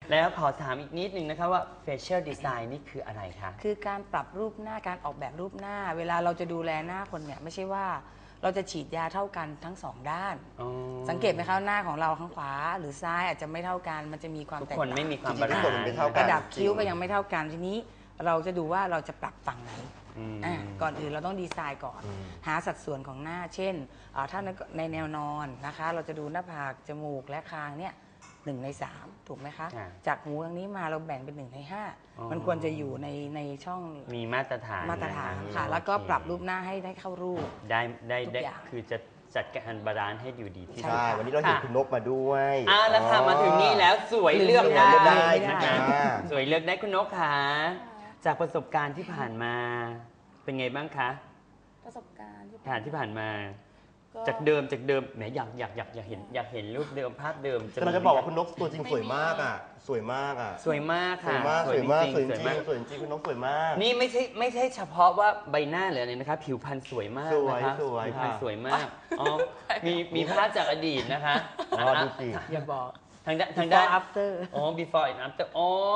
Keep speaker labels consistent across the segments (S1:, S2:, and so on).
S1: แล้วขอถามอีกนิดนึงนะคะว่า facial design นี่คืออะไรคะ
S2: คือการปรับรูปหน้าการออกแบบรูปหน้า เวลาเราจะดูแลหน้าคนเนี่ยไม่ใช่ว่าเราจะฉีดยาเท่ากันทั้งสองด้านสังเกตไหมคะหน้าของเราข้างขวาหรือซ้ายอาจจะไม่เท่ากันมันจะมีความแตกต่าง
S1: ทุกคนไม่มีความบาลานซ์
S2: ระดับคิ้วก็ยังไม่เท่ากันทีนี้เราจะดูว่าเราจะปรับฝั่งไหนก่อนอื่นเราต้องดีไซน์ก่อนหาสัดส่วนของหน้าเช่นถ้าในแนวนอนนะคะเราจะดูหน้าผากจมูกและคางเนี่ย1 ใน 3ถูกไหมคะจากหูทางนี้มาเราแบ่งเป็น1 ใน 5มันควรจะอยู่ในช่อง
S1: มีมาตรฐาน
S2: ค่ะแล้วก็ปรับรูปหน้าให้เข้ารูป
S1: ได้คือจะจัดการบาลานซ์ให้อยู่ดีที่สุด
S3: ใช่วันนี้เราเห็นคุณนกมาด้วย
S1: แล้วค่ะมาถึงนี่แล้วสวยเลือกได้นะคะสวยเลือกได้คุณนกค่ะจากประสบการณ์ที่ผ่านมาเป็นไงบ้างคะ
S4: ประสบการณ์
S1: ที่ผ่านมาจากเดิมแหมอยากเห็นรูปเดิมภาพเดิม
S3: แต่เราจะบอกว่าคุณนกตัวจริงสวยมากสวยมาก
S1: สวยมากค่ะ
S3: สวยจริงคุณนกสวยมาก
S1: นี่ไม่ใช่เฉพาะว่าใบหน้าหรืออะไรนะคะผิวพรรณสวยมากนะคะผิวพรรณสวยมากมีภาพจากอดีตนะคะ
S3: ดูสิ
S2: อย่าบอก
S1: ทางด้าน
S2: after
S1: before and after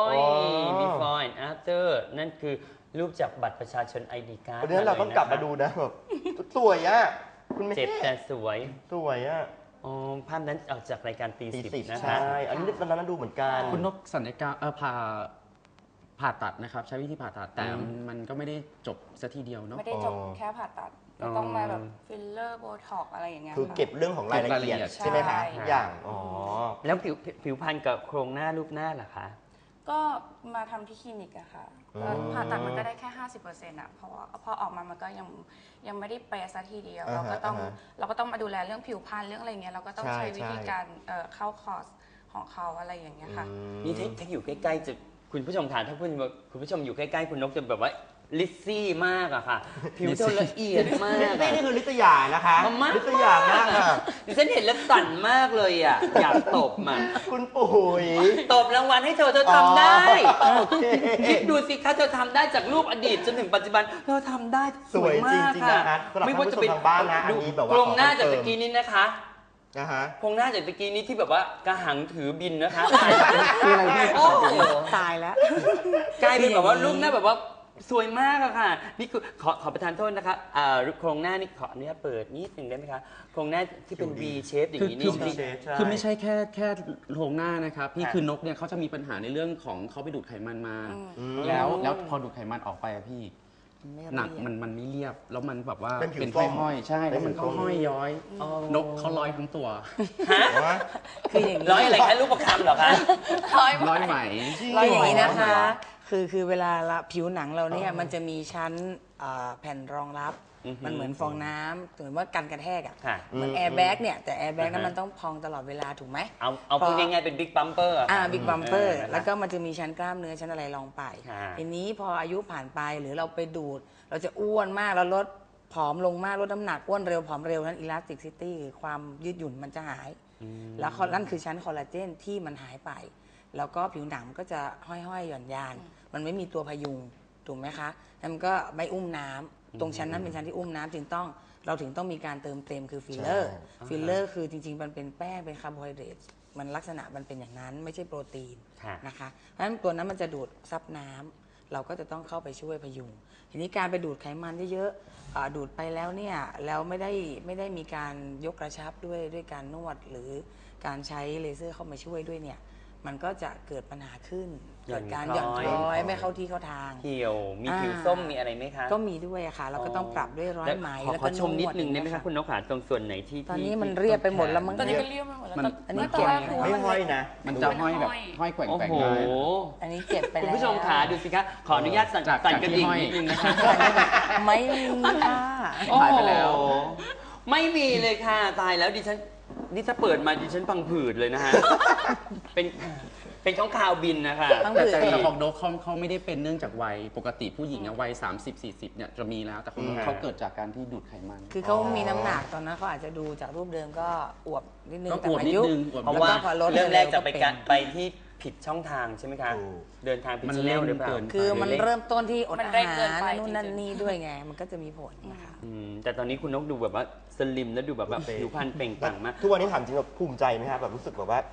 S1: before and after นั่นคือรูปจากบัตรประชาชน ID card
S3: วันนี้เราต้องกลับมาดูนะแบบสวยคุณไม่
S1: เจ็บแต่สวยภาพนั้นออกจากรายการตี 10นะคะ
S3: ใช่อันนี้ตอนนั้นดูเหมือนกัน
S5: คุณนกสัญญกรรมผ่าตัดนะครับใช้วิธีผ่าตัดแต่มันก็ไม่ได้จบซะทีเดียวเนาะ
S4: ไม่ได้จบแค่ผ่าตัดต้องมาแบบฟิลเลอร์โบท็อกอะไรอย่างเงี้ย
S3: คือเก็บเรื่องของรายละเอียดใช่ไหมคะทุกอย่าง
S1: แล้วผิวพรรณกับโครงหน้ารูปหน้าล่ะคะ
S4: ก็มาทำที่คลินิกอะค่ะผ่าตัดมันก็ได้แค่ 50%อะเพราะว่าพอออกมามันก็ยังไม่ได้เป๊ะซะทีเดียวเราก็ต้องมาดูแลเรื่องผิวพรรณเรื่องอะไรเงี้ยเราก็ต้องใช้วิธีการเข้าคอร์สของเขาอะไรอย่างเงี้ยค่ะ
S1: นี่ถ้าอยู่ใกล้ๆจะคุณผู้ชมค่ะถ้าคุณผู้ชมอยู่ใกล้ๆคุณนกจะแบบว่าลิซซี่มากอะค่ะผิวเธอละเอียดมาก
S3: นี่คือลิตยานะคะลิตยามากค่ะ
S1: ดิฉันเห็นแล้วสั่นมากเลยอะอยากตบมัน
S3: คุณปุ๋ย
S1: ตบรางวัลให้เธอทำได้คิดดูสิคะเธอทำได้จากรูปอดีตจนถึงปัจจุบันเธอทำได้
S3: สวยมากค่ะไม่ว่าจะเป็นทางบ้านนะอันนี้แบบว่า
S1: โครงหน้าจากตะกี้นี้นะคะโครงหน้าจากตะกี้นี้ที่แบบว่ากระหังถือบินนะคะ
S2: คืออะไรที่ตายแล้ว
S1: กลายเป็นแบบว่ารูปหน้าแบบว่าสวยมากอะค่ะนี่คือขอประทานโทษนะคะโครงหน้านี่ขออนุญาตเปิดนิดนึงได้ไหมคะโครงหน้าที่เป็น V shape อย่างนี้นี่
S5: คือไม่ใช่แค่โครงหน้านะครับพี่คือนกเนี่ยเขาจะมีปัญหาในเรื่องของเขาไปดูดไขมันมาแล้วพอดูดไขมันออกไปอะพี่หนักมันไม่เรียบแล้วมันแบบว่าเป็นห้อยใช่แล้วมันก็ห้อยย้อยนกเขาร้อยทั้งตัว
S1: คืออย่างนี้ร้อยอะไรคะลูกประคำเหรอคะ
S5: ร้อยไหม
S2: ร้อยอย่างนี้นะคะคือเวลาผิวหนังเราเนี่ยมันจะมีชั้นแผ่นรองรับมันเหมือนฟองน้ำเหมือนว่ากันกระแทกอ่ะเหมือนแอร์แบ็กเนี่ยแต่แอร์แบ็กนั้นมันต้องพองตลอดเวลาถูกไหม
S1: เอาพูดง่ายๆเป็นบิ๊กบัมเปอร์
S2: บิ๊กบัมเปอร์แล้วก็มันจะมีชั้นกล้ามเนื้อชั้นอะไรรองไปทีนี้พออายุผ่านไปหรือเราไปดูดเราจะอ้วนมากแล้วลดผอมลงมากลดน้ำหนักอ้วนเร็วผอมเร็วนั้นอิลาสติกซิตี้ความยืดหยุ่นมันจะหายแล้วนั่นคือชั้นคอลลาเจนที่มันหายไปแล้วก็ผิวหนังก็จะห้อยๆหย่อนยานมันไม่มีตัวพยุงถูกไหมคะแล้วมันก็ไม่อุ้มน้ำตรงชั้นนั้นเป็นชั้นที่อุ้มน้ำเราถึงต้องมีการเติมเต็มคือฟิลเลอร์คือจริงๆมันเป็นแป้งเป็นคาร์โบไฮเดรตมันลักษณะมันเป็นอย่างนั้นไม่ใช่โปรตีนนะคะเพราะฉะนั้นตัวนั้นมันจะดูดซับน้ำเราก็จะต้องเข้าไปช่วยพยุงทีนี้การไปดูดไขมันเยอะๆดูดไปแล้วเนี่ยแล้วไม่ได้มีการยกกระชับด้วยการนวดหรือการใช้เลเซอร์เข้ามาช่วยด้วยเนี่ยมันก็จะเกิดปัญหาขึ้นเกิดการหย่อนคล้อยไม่เข้าที่เข้าทาง
S1: เหี่ยวมีผิวส้มมีอะไรไหมคะ
S2: ก็มีด้วยค่ะเราก็ต้องปรับด้วยร้อยไหม
S1: แล้วก็ชมนิดนึงได้ไหมคะคุณนกขาตรงส่วนไหนที่
S2: ตอนนี้มันเรียบไปหมดแล้วมัน
S4: ตอนนี้ก็เรียบไปหมดแล้ว
S2: อันนี้เก็บ
S3: ไม่ห้อยนะ
S5: มันจะห้อยแบบห้อยแกว่งได้
S2: อันนี้เก็บไปแล้ว
S1: คุณผู้ชมขาดูสิคะขออนุญาตสั่นกระดิ่งนิดนึงนะคะ
S2: ไม่มีค่ะ
S5: หายไปแล้ว
S1: ไม่มีเลยค่ะตายแล้วดิฉันนี่ถ้าเปิดมาดิฉันพังผืดเลยนะฮะเป็นข้างคาวบินนะคะ
S5: แต่ของนกเขาไม่ได้เป็นเนื่องจากวัยปกติผู้หญิงวัย30-40เนี่ยจะมีแล้วแต่ของนกเขาเกิดจากการที่ดูดไขมัน
S2: คือเขามีน้ำหนักตอนนั้นเขาอาจจะดูจากรูปเดิมก็อวบนิดนึง
S5: แต่อายุ
S1: เพราะว่าเริ่มแรกจะไปที่ผิดช่องทางใช่ไหมคะเดินทางผิดช่องทางหรือเปล่า
S2: คือมันเริ่มต้นที่อดอาหารนู่นนั่นนี่ด้วยไงมันก็จะมีผลนะคะ
S1: แต่ตอนนี้คุณนกดูแบบว่าสลิมแล้วดูแบบผิวพรรณเปล่งปลั่งมาก
S3: ทุกวันนี้ถามจริงแบบภูมิใจไหมครับแบบรู้สึกแบบว่า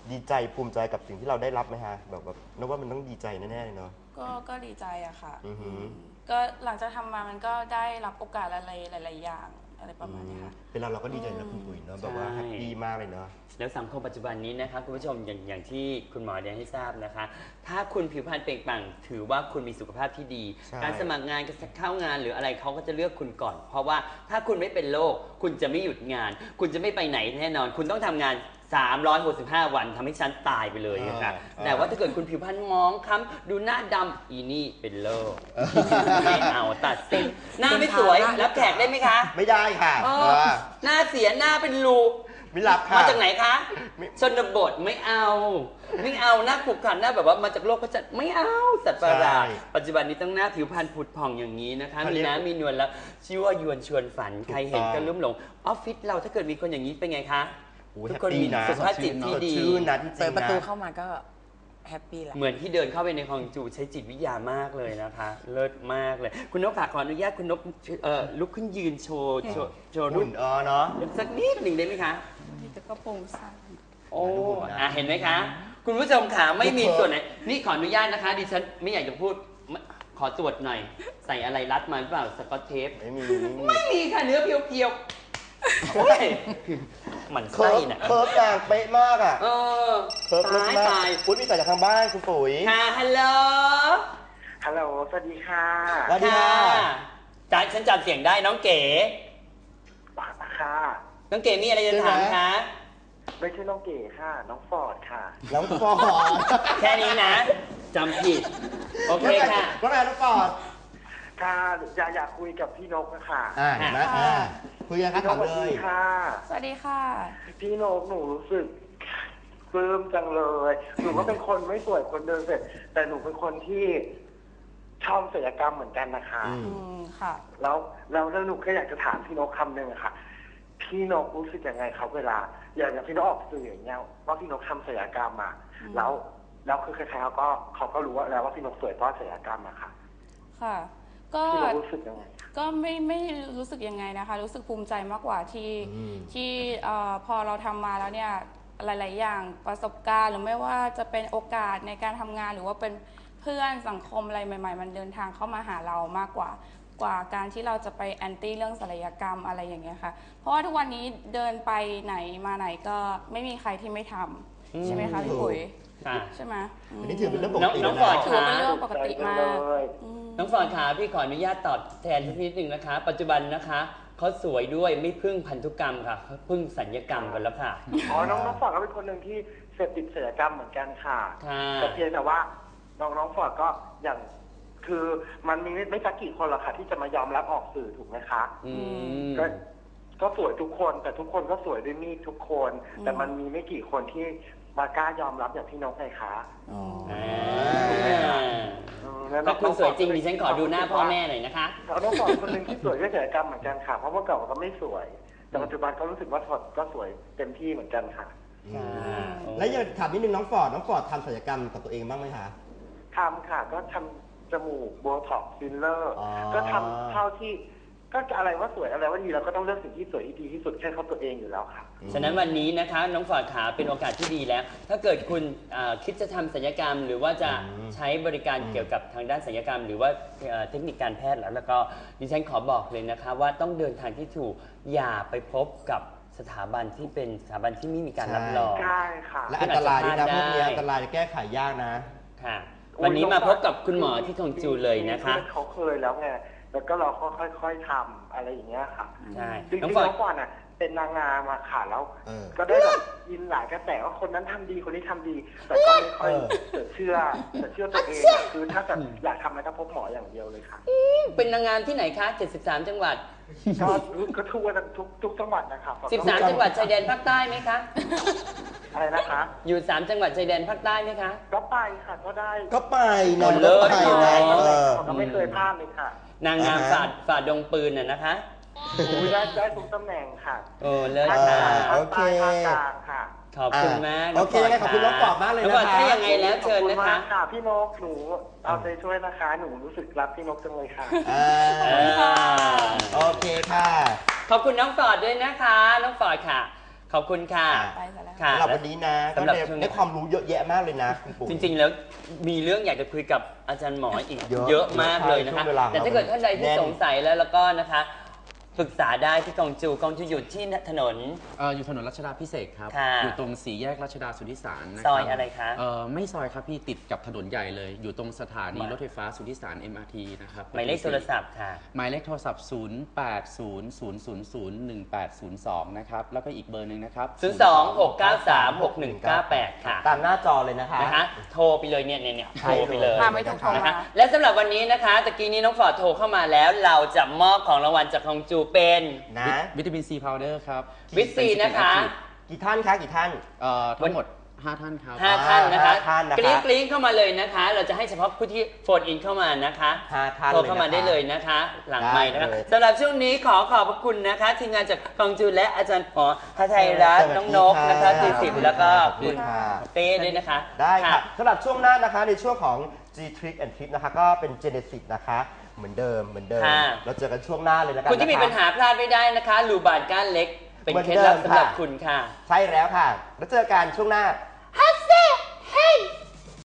S3: ดีใจภูมิใจกับสิ่งที่เราได้รับไหมฮะแบบนึกว่ามันต้องดีใจแน่ๆเลยเนาะ
S4: ก็ดีใจอะค่ะ
S3: อือหือ
S4: ก็หลังจากทำมามันก็ได้รับโอกาสอะไรหลายๆอย่างอะไรประมาณนี้ค่ะ
S3: เป็นเราก็ดีใจนะคุณปุ๋ยเนาะแบบว่าแฮปปี้มากเลยเนาะ
S1: แล้วสังคมปัจจุบันนี้นะคะคุณผู้ชมอย่างที่คุณหมอได้ให้ทราบนะคะ ถ้าคุณผิวพรรณเปล่งปลั่งถือว่าคุณมีสุขภาพที่ดี
S3: ใช่
S1: การสมัครงานการเข้างานหรืออะไรเขาก็จะเลือกคุณก่อน เพราะว่าถ้าคุณไม่เป็นโรคคุณจะไม่หยุดงาน คุณจะไม่ไปไหนแน่นอน คุณต้องทำงาน 365 วันทำให้ฉันตายไปเลยนะคะแต่ว่าถ้าเกิดคุณผิวพรรณมองคล้ำดูหน้าดำอีนี่เป็นโรคไม่เอาตัดสินหน้าไม่สวยรับแขกได้ไหมคะ
S3: ไม่ได้ค่ะ
S1: เออหน้าเสียหน้าเป็นรู
S3: ไม่รับค่ะ
S1: มาจากไหนคะ
S3: ไม่
S1: ชนบทไม่เอาหน้าขรุขระหน้าแบบว่ามาจากโลกพระจันทร์ไม่เอาสัตว์ประหลาด
S3: ใช่
S1: ปัจจุบันนี้ต้องหน้าผิวพรรณผุดผ่องอย่างนี้นะคะ
S3: เขา
S1: มี
S3: เรียก
S1: น้ำมีนวลแล้วชื่อว่ายวนชวนฝัน
S3: ถูก
S1: ใครเห็น
S3: ต้อง
S1: ก็ลุ่มหลงออฟฟิศเราถ้าเกิดมีคนอย่างนี้เป็นไงคะ
S3: โอ้ย
S1: ทุกคน
S3: แฮปปี้
S1: มี
S3: นะ
S1: สุขภาพจิตที่ดี
S3: สดชื่นนะที่จริ
S2: เปิด
S3: ง
S2: ประตู
S3: นะ
S2: เข้ามาก็แฮปปี้แหละ
S1: เหมือนที่เดินเข้าไปในคลองจูใช้จิตวิทยามากเลยนะคะ เลิศมากเลย คุณนกค่ะขออนุญาตคุณนกลุกขึ้นยืนโชว์รู
S3: หุ่
S1: ป
S3: นเนาะ
S1: สักนิดหนึ่งได้ไหมคะ
S4: แต่ก็โปร่งใส
S1: โอ้
S3: ดูหุ่นนะ
S1: เห็นไหมคะ คุณผู้ชมขาไม่มี
S3: ดูเถอะ
S1: ส่วนไหน นี่ขออนุญาตนะคะ ดิฉันไม่อยากจะพูด ขอตรวจหน่อย ใส่อะไรรัดมาหรือเปล่า สกอตเทป
S3: ไม่มี
S1: ไม่มีค่ะ เนื้อเพียวๆ โอ้ยหมัน
S3: เคิ
S1: ไส้
S3: ร์ฟ
S1: น่ะ
S3: เคิร์ฟอย่างเป๊ะมากอ่ะ
S1: เออ
S3: เคิร์ฟเลิศ
S1: ตาย
S3: มาก
S1: ตาย
S3: คุณมีสายจากทางบ้านคุณปุ๋ย
S1: ค่ะฮัลโหล
S6: ฮัลโหล สวัสดีค่ะ
S3: สวัสดีค่ะ
S1: ฉันจำเสียงได้น้องเก๋
S6: ปากค่ะ
S1: น้องเก๋มีอะไรจะถามคะ
S6: ไม่ใช่น้องเก๋ค่ะ น้องฟอร์ดค่ะ
S3: น้องฟอร์ด
S1: แค่นี้นะจำผิด โอเคค่ะ
S3: ว่าไงน้องฟอร์ด
S6: ค่ะอยากคุยกับพี่นกนะคะ
S3: เห็นไหมคุยกันครับ
S6: พี่น
S3: ถาก ม
S6: สวัส
S3: เล
S6: ดี
S3: ย
S6: ค่ะ
S4: สวัสดีค่ะ
S6: พี่นกหนูรู้สึกปลื้มจังเลย หนูก็เป็นคนไม่สวยคนเดิมเสร็จ แต่หนูเป็นคนที่ชอบศิลปกรรมเหมือนกันนะคะ
S4: ค่ะ
S6: แล้วหนูก็อยากจะถามพี่นกคำหนึ่งอะค่ะ พี่นกรู้สึกยังไงครับเวลา อย่างพี่นกออกสื่ออย่างเงี้ยว่าพี่นกทำศิลปกรรมมาแล้วคือใครๆเขาก็รู้ว่าแล้วว่าพี่นกสวยเพราะศิลปกรรมอะค่ะ
S4: ค่ะ ก็
S6: พี่นกรู้สึกยังไง
S4: ก็ไม่รู้สึกยังไงนะคะ รู้สึกภูมิใจมากกว่าที่พอเราทำมาแล้วเนี่ยหลาย ๆ อย่างประสบการณ์หรือไม่ว่าจะเป็นโอกาสในการทำงานหรือว่าเป็นเพื่อนสังคมอะไรใหม่ ๆ มันเดินทางเข้ามาหาเรามากกว่าการที่เราจะไปแอนตี้เรื่องศัลยกรรมอะไรอย่างเงี้ยค่ะ เพราะว่าทุกวันนี้เดินไปไหนมาไหนก็ไม่มีใครที่ไม่ทำใช่ไหมคะพี่ปุ๋ย
S1: ค่ะ
S4: ใช่ไหม
S3: อันนี้ถือเป็นเรื่องปกติ
S1: น้อง
S3: นะ
S1: ฟอร์ด
S4: ถือว่าเป็นเรื่องปกติมาก
S1: น้องฟอร์ดขาพี่ขออนุญาตตอบแทนสักนิดหนึ่งนะคะ ปัจจุบันนะคะเขาสวยด้วยไม่พึ่งพันธุกรรมค่ะเขาพึ่งสัญญกรรมกันแล้วค่ะ
S6: อ๋อ น้องฟอร์ดก็เป็นคนหนึ่งที่เสพติดศิลปกรรมเหมือนกันค่ะ
S1: ค่ะ
S6: แต่เพียงแต่ว่าน้องฟอร์ดก็อย่างคือมันมีไม่สักกี่คนหรอกค่ะที่จะมายอมรับออกสื่อถูกไหมคะ
S1: อืม
S6: ก็สวยทุกคนแต่ทุกคนก็สวยด้วยมีดทุกคน แต่มันมีไม่กี่คนที่มากล้ายอมรับอย่างพี่นกไงคะ แล้ว
S1: ถ้าคุณสวยจริงดิฉันขอดูหน้าพ่อแม่
S6: เ
S1: หน่อยนะคะ
S6: ขาต้องสอนคนหนึ่งที่สวยด้วยศิลปกรรมเหมือนกันค่ะ เพราะเมื่อก่อนก็ไม่สวย แต่ปัจจุบันก็รู้สึกว่าก็สวยเต็มที่เหมือนกันค่ะ
S3: แล้วอยากถามนิดนึงน้องฟอร์ดทำศัลยกรรมกับตัวเองบ้างไหมคะ
S6: ทำค่ะ ก็ทำจมูกโบท็อกซ์ฟิลเลอร์
S3: อ๋อ
S6: ก็ทำเท่าที่ก็อะไรว่าสวยอะไรว่าดีเราก็ต้องเลือกสิ่งที่สวยที่ดีที่สุดแค่เขาตัวเองอยู่แล้วค่ะ
S1: ฉะนั้นวันนี้นะคะน้องฟอร์ดขาเป็นโอกาสที่ดีแล้ว ถ้าเกิดคุณคิดจะทำศัลยกรรม หรือว่าจะใช้บริการเกี่ยวกับทางด้านศัลยกรรม หรือว่าเทคนิคการแพทย์แล้วก็ดิฉันขอบอกเลยนะคะว่าต้องเดินทางที่ถูกอย่าไปพบกับสถาบันที่เป็นสถาบันที่ไม่มีการรับรอง
S6: ใช่ค่ะ
S3: และอันตรายด้วยนะ
S1: ได้
S3: พวกนี้อันตรายจะแก้ไขยากนะ
S1: ค่ะ วันนี้มาพบกับคุณหมอที่ทองจูเลยนะคะ
S6: เขาเคยแล้วไงแล้วก็เราก็ค่อยๆทำอะไรอย่างเงี้ยค่ะ
S1: ใช่
S6: จริงๆ
S1: น้อง
S6: น้
S1: ฟอร์ด
S6: องก่อนอ่ะ เป็นนางงามมาค่ะแล้ว ก็ได้แบบยินหลายกระแสว่าคนนั้นทำดีคนนี้ทำดี แต่ก็ไม่ค่อยเชื่อตัวเองอะคือถ้าแบบอยากทำอะไรก็พบหมออย่างเดียวเลยค่ะ
S1: เป็นนางงามที่ไหนคะ 73 จังหวัด
S6: ก็ทั่วทุกจังหวัดนะครับ
S1: 13 จังหวัดชายแดนภาคใต้ไหมคะ
S6: อะไรนะคะ
S1: อยู่ 3 จังหวัดชายแดนภาคใต้ไหมคะ
S6: ก็ไปค่ะก็ได้
S3: ก็ไปนะ
S1: คนเลิศ
S3: ก็ไปนะ
S6: ก็ไม่เคยพลาดเลยค่ะ
S1: นางงามฝ่าดงปืนน่ะนะคะ
S6: ได้ทุกตำแหน่งค่ะ
S1: โอ้เลิศ
S6: ภาค
S1: ค่ะ
S6: กลางภาคใต้ภาคกลางค่ะ
S1: ขอบคุณมาก
S3: โอเคยังไงขอบคุณน้องฟอร์ดมากเลย
S1: น้อง
S3: นะ
S1: ฟอร์ด
S3: คะ
S1: ถ้ายังไงแล้วเชิญ
S6: ขอบ
S1: นะ
S6: คุณ
S1: คะ
S6: มากค่ะพี่นกหนูเอาใจช่วยนะคะ หนูรู้สึกรักพี่นกจังเลยค่ะ
S3: โอเคค่ะ
S1: ขอบคุณน้องฟอร์ดด้วยนะคะ น้องฟอร์ดค่ะขอบคุณค่ะ
S4: ไปซะแล้ว
S1: ค่ะ
S3: สำหรับวันนี้นะก็
S1: สำหรับช่วงนี้
S3: ได้ความรู้เยอะแยะมากเลยนะคุณปู่
S1: จริงๆ แล้วมีเรื่องอยากจะคุยกับอาจารย์หมออีก
S3: เยอะ
S1: เยอะมากเลยนะคะ
S3: ช่วงเวลา
S1: แต่ถ้าเกิดท่านใดที่
S3: แน่น
S1: สงสัยแล้วก็นะคะปรึกษาได้ที่กองจูอยู่ที่ถนน
S5: อยู่ถนนรัชดาพิเศษกครับ
S1: ค่ะ
S5: อยู่ตรงสี่แยกรัชดาสุทธิสารนะค
S1: ซ
S5: รับ
S1: อยอะไรคะ
S5: ไม่ซอยครับพี่ติดกับถนนใหญ่เลย อยู่ตรงสถานีรถไฟฟ้าสุทธิสาร MRT นะครับ
S1: หมายเลขโทรศัพท์ค่ะ
S5: หมายเลขโทรศัพท์ 0800001802 นะครับ แล้วก็อีกเบอร์หนึ่งนะครับ
S1: 026936198 ค่ะ
S3: ตามหน้าจอเลยนะคะ
S1: นะคะ โทรไปเลยเนี่ยโทรไปเลย
S4: มาไม่ถูกโทร
S1: นะคะ
S4: มา
S1: และสำหรับวันนี้นะคะตะกี้นี้น้องฟอร์ดโทรเข้ามาแล้ว เราจะมอบของรางวัลจากกองจูเป็น
S3: นะ
S5: วิตามินซีพาวเดอร์ครับ
S1: วิตซีนะคะ
S3: กี่ท่านคะกี่ท่าน
S5: ทั้งหมด 5 ท่านครับ
S1: 5 ท่านนะคะ
S3: 5 ท่านนะคะ
S1: กริ๊งเข้ามาเลยนะคะ เราจะให้เฉพาะผู้ที่โฟนอินเข้ามานะคะ
S3: 5 ท่าน
S1: โทรเข้ามาได้เลยนะคะ หลังไมค์นะคะ
S3: ได้เลย
S1: สำหรับช่วงนี้ขอขอบพระคุณนะคะ ทีมงานจากกองจูและอาจารย์หมอพระไทยรัตน์น้องนกนะคะตีสิบแล้วก็
S3: ขอบ
S1: คุ
S3: คุณ ณค่ะ
S1: เต้ด้วยนะคะ
S3: ได้ค่ะสำหรับช่วงหน้านะคะในช่วงของ G Trick and Trip นะคะก็เป็น Genesis นะคะเหมือนเดิม
S1: ค่ะ
S3: เราเจอกันช่วงหน้าเลยแล้วกัน
S1: คุณที่มี
S3: ะะ
S1: ปัญหาพลาดไม่ได้นะคะรูบานก้านเล็ก เป็น
S3: เหมือน
S1: เคล็ดลับ
S3: เดิม
S1: สำหรับ
S3: ค่ะ
S1: คุณค่ะ
S3: ใช่แล้วค่ะ แล้วเจอกันช่วงหน้า